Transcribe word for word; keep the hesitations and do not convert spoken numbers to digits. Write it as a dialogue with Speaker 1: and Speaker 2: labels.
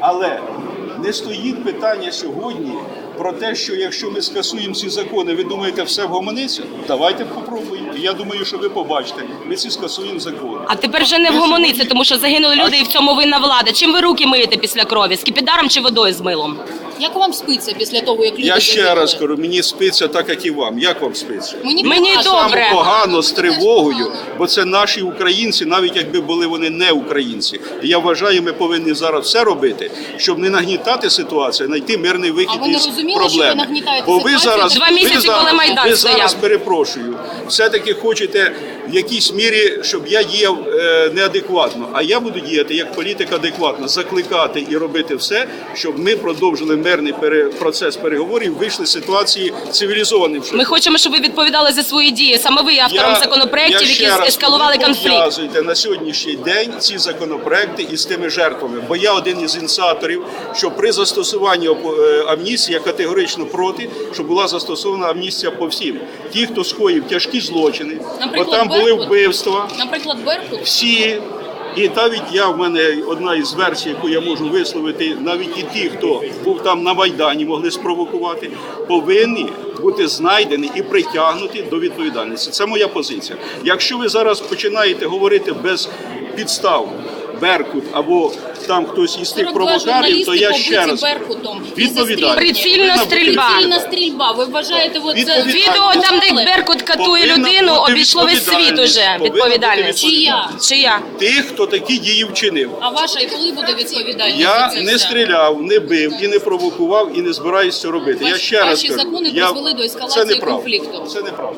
Speaker 1: Але не стоїть питання сьогодні про те, що якщо ми скасуємо ці закони, ви думаєте, все вгомониться? Давайте попробуємо. Я думаю, що ви побачите, ми ці скасуємо закони.
Speaker 2: А тепер вже не вгомониться, тому що загинули люди і в цьому винна влада. Чим ви руки миєте після крові? Скіпідаром чи водою з милом?
Speaker 3: Як вам спиться після того, як люди
Speaker 1: Я ще
Speaker 3: загинули?
Speaker 1: раз кажу, мені спиться так, як і вам. Як вам спиться?
Speaker 3: Мені,
Speaker 2: Мені
Speaker 3: погано.
Speaker 2: добре.
Speaker 1: Погано, з тривогою, бо це наші українці, навіть якби були вони не українці. І я вважаю, ми повинні зараз все робити, щоб не нагнітати ситуацію, знайти мирний вихід
Speaker 3: А ви не
Speaker 1: із
Speaker 3: розуміли,
Speaker 1: проблеми.
Speaker 3: що ви нагнітаєте
Speaker 1: Бо ви
Speaker 3: ситуацію?
Speaker 1: зараз,
Speaker 2: Два
Speaker 1: ви
Speaker 2: місяці,
Speaker 1: зараз,
Speaker 2: коли Майдан
Speaker 1: ви
Speaker 2: стояв.
Speaker 1: зараз, перепрошую, все-таки хочете в якійсь мірі, щоб я діяв е, неадекватно. А я буду діяти як політик адекватно, закликати і робити все, щоб ми продовжили мирний пере, процес переговорів, вийшли з ситуації цивілізованим шляхом.
Speaker 2: Ми хочемо, щоб ви відповідали за свої дії. Саме ви є автором
Speaker 1: Я-
Speaker 2: законопроєктів,
Speaker 1: я ще
Speaker 2: які
Speaker 1: раз
Speaker 2: ескалували
Speaker 1: кажу,
Speaker 2: конфлікт.
Speaker 1: пов'язуйте на сьогоднішній день ці законопроекти із тими жертвами. Бо я один із ініціаторів, що при застосуванні е, амністії я категорично проти, щоб була застосована амністія по всім. Ті, хто скоїв тяжкі злочини, бо
Speaker 3: Наприклад,
Speaker 1: там були
Speaker 3: Беркут.
Speaker 1: вбивства,
Speaker 3: Наприклад, Беркут.
Speaker 1: всі. І навіть я, в мене одна із версій, яку я можу висловити, навіть і ті, хто був там на Майдані, могли спровокувати, повинні бути знайдені і притягнуті до відповідальності. Це моя позиція. Якщо ви зараз починаєте говорити без підстав, Беркут або там хтось із тих провокаторів, то я ще раз
Speaker 3: Беркутом.
Speaker 1: відповідальність.
Speaker 2: Прицільна стрільба.
Speaker 3: Прицільна стрільба. Ви вважаєте, от це...
Speaker 1: Відповідальність.
Speaker 2: Відео там, де Беркут катує
Speaker 1: Повинна
Speaker 2: людину,
Speaker 1: бути
Speaker 2: обійшло весь світ
Speaker 1: відповідальність.
Speaker 2: уже.
Speaker 1: Повинна
Speaker 2: Відповідальність.
Speaker 1: бути
Speaker 3: Чия?
Speaker 2: Чия?
Speaker 1: Тих, хто такі дії вчинив.
Speaker 3: А ваша і коли буде відповідальність
Speaker 1: Я
Speaker 3: за це
Speaker 1: не
Speaker 3: все?
Speaker 1: стріляв, не бив і не провокував, і не збираюся це робити. Я
Speaker 3: Ваші-
Speaker 1: ще раз
Speaker 3: ваші
Speaker 1: кажу,
Speaker 3: закони
Speaker 1: я...
Speaker 3: призвели до ескалації
Speaker 1: це неправда.
Speaker 3: конфлікту.
Speaker 1: Це неправда.